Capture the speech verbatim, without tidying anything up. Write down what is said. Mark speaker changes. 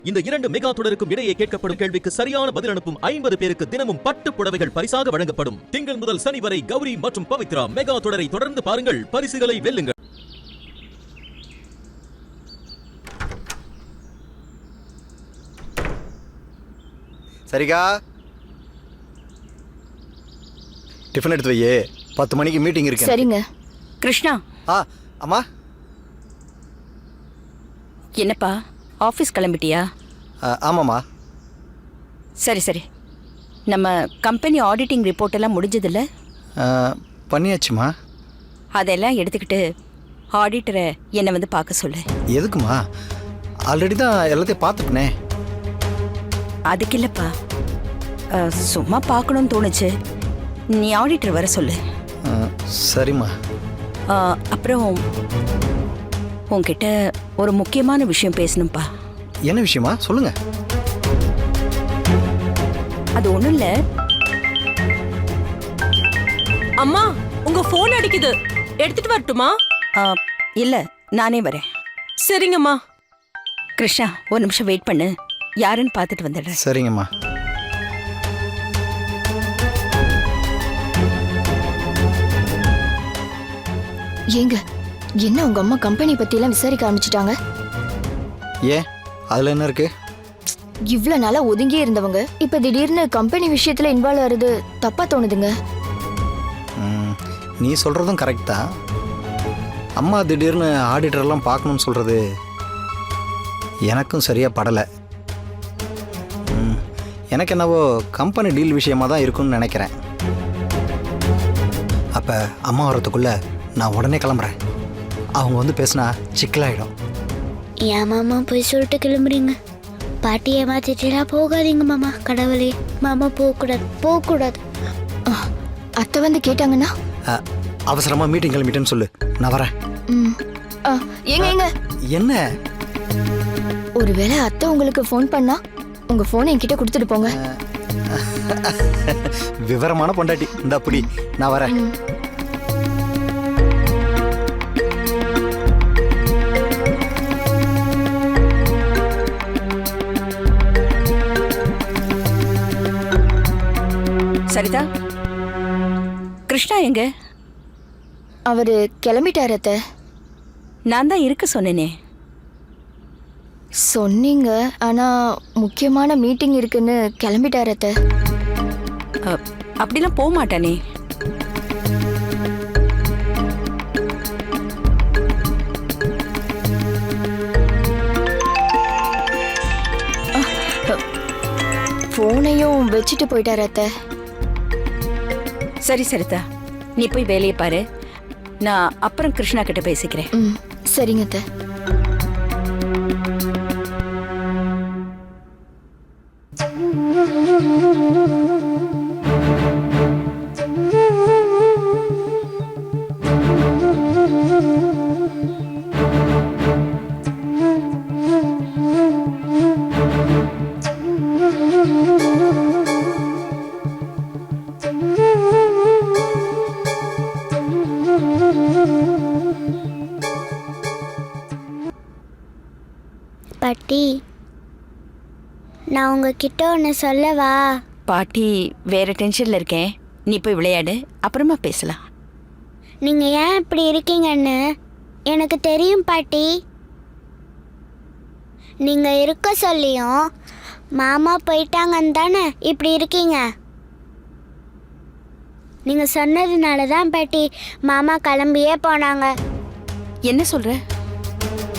Speaker 1: இந்த இரண்டு மெகா தொடருக்கும் இடையே கேட்கப்படும் கேள்விக்கு சரியான பதில் அனுப்பும் ஐம்பது பேருக்கு தினமும் பட்டு புடவைகள் பரிசாக வழங்கப்படும். திங்கள் முதல் சனி வரை கௌரி மற்றும் பவித்ரா மெகா தொடரை தொடர்ந்து பாருங்கள், பரிசுகளை வெல்லுங்கள்.
Speaker 2: சரிக்கா, டிஃபன் எடுத்து வையே, பத்து மணிக்கு மீட்டிங் இருக்கு.
Speaker 3: சரிங்க.
Speaker 4: கிருஷ்ணா.
Speaker 2: ஆ அம்மா.
Speaker 4: என்னப்பா ஆஃபீஸ் கிளம்பிட்டியா?
Speaker 2: ஆமாம்மா.
Speaker 4: சரி சரி, நம்ம கம்பெனி ஆடிட்டிங் ரிப்போர்ட் எல்லாம் முடிஞ்சதில்ல?
Speaker 2: பண்ணியாச்சுமா.
Speaker 4: அதெல்லாம் எடுத்துக்கிட்டு ஆடிட்டரை என்னை வந்து பார்க்க சொல்லு.
Speaker 2: எதுக்குமா? ஆல்ரெடி தான் எல்லாத்தையும் பார்த்துட்டனே.
Speaker 4: அதுக்கு இல்லைப்பா, சும்மா பார்க்கணும்னு தோணுச்சு. நீ ஆடிட்டர் வர சொல்லு.
Speaker 2: சரிம்மா.
Speaker 4: அப்புறம் உன்கிட்ட ஒரு முக்கியமான விஷயம் பேசணும்ப்பா.
Speaker 2: என்ன விஷயமா? சொல்லுங்க.
Speaker 4: அது ஒண்ணும் இல்ல.
Speaker 5: அம்மா, உங்க போன் அடிக்குது, எடுத்துட்டு வரட்டுமா?
Speaker 4: இல்ல, நானே வரேன்.
Speaker 5: சரிங்கம்மா.
Speaker 4: கிருஷ்ணா, ஒரு நிமிஷம் வெயிட் பண்ணு, யாருன்னு பார்த்துட்டு வந்துடுறேன்.
Speaker 2: சரிங்கம்மா.
Speaker 3: ஏங்க, என்ன உங்க அம்மா கம்பெனி பத்தி எல்லாம் விசாரிக்க ஆரம்பிச்சிட்டாங்க?
Speaker 2: ஏன், அதுல என்ன இருக்கு?
Speaker 3: இவ்ளோ நாளா ஒதுங்கியே இருந்தவங்க இப்ப திடீர்னு கம்பெனி விஷயத்துல இன்வால்வ் ஆறது தப்பா தோணுதுங்க.
Speaker 2: நீ சொல்றதும் கரெக்ட் தான். அம்மா திடீர்னு ஆடிட்டர்லாம் பார்க்கணும்னு சொல்றது எனக்கும் சரியா படலை. எனக்கு என்னவோ கம்பெனி டீல் விஷயமா தான் இருக்குன்னு நினைக்கிறேன். அப்போ அம்மா வரத்துக்குள்ள நான் உடனே கிளம்புறேன். அவங்க வந்து பேசினா சிக்கலாயிடும்.
Speaker 6: ஏன் மாமா போய் சொல்லிட்டு கிளம்புறீங்க? பாட்டி ஏமாத்திட்டா போகாதீங்க மாமா. கடவுளே, மாமா போகக்கூடாது, போகக்கூடாது.
Speaker 3: அத்தை வந்து கேட்டாங்கன்னா?
Speaker 2: அவசரமா மீட்டிங் கிளம்பிட்டேன்னு சொல்லு, நான் வரேன்.
Speaker 3: ஏங்க ஏங்க,
Speaker 2: என்ன?
Speaker 3: ஒருவேளை அத்தை உங்களுக்கு ஃபோன் பண்ணா உங்க போனை என்கிட்ட கொடுத்துட்டு போங்க.
Speaker 2: விவரமான பொண்டாட்டி. இந்த அப்படி நான் வரேன்.
Speaker 4: சரிதா, கிருஷ்ணா எங்க?
Speaker 3: அவரு கிளம்பிட்டாரு அத்தை.
Speaker 4: நான் தான் இருக்க சொன்னேனே.
Speaker 3: சொன்னீங்க, ஆனா முக்கியமான மீட்டிங் இருக்குன்னு கிளம்பிட்டாரு அத்தை.
Speaker 4: அப்படிலாம் போக மாட்டானே.
Speaker 3: போனையும் வச்சுட்டு போயிட்டாரு அத்தை.
Speaker 4: சரி சரிதா, நீ போய் வேலையை பாரு, நான் அப்புறம் கிருஷ்ணா கிட்ட பேசிக்கிறேன்.
Speaker 3: ம், சரிங்க அத்தை.
Speaker 6: பாட்டி, நான் உங்ககிட்ட ஒன்று சொல்லவா?
Speaker 4: பாட்டி வேற டென்ஷன்ல இருக்கேன், நீ போய் விளையாடு, அப்புறமா பேசலாம்.
Speaker 6: நீங்கள் ஏன் இப்படி இருக்கீங்கன்னு எனக்கு தெரியும் பாட்டி. நீங்கள் இருக்க சொல்லியும் மாமா போயிட்டாங்கன்னு தானே இப்படி இருக்கீங்க. நீங்கள் சொன்னதுனால தான் பாட்டி மாமா கிளம்பியே போனாங்க.
Speaker 4: என்ன சொல்ற?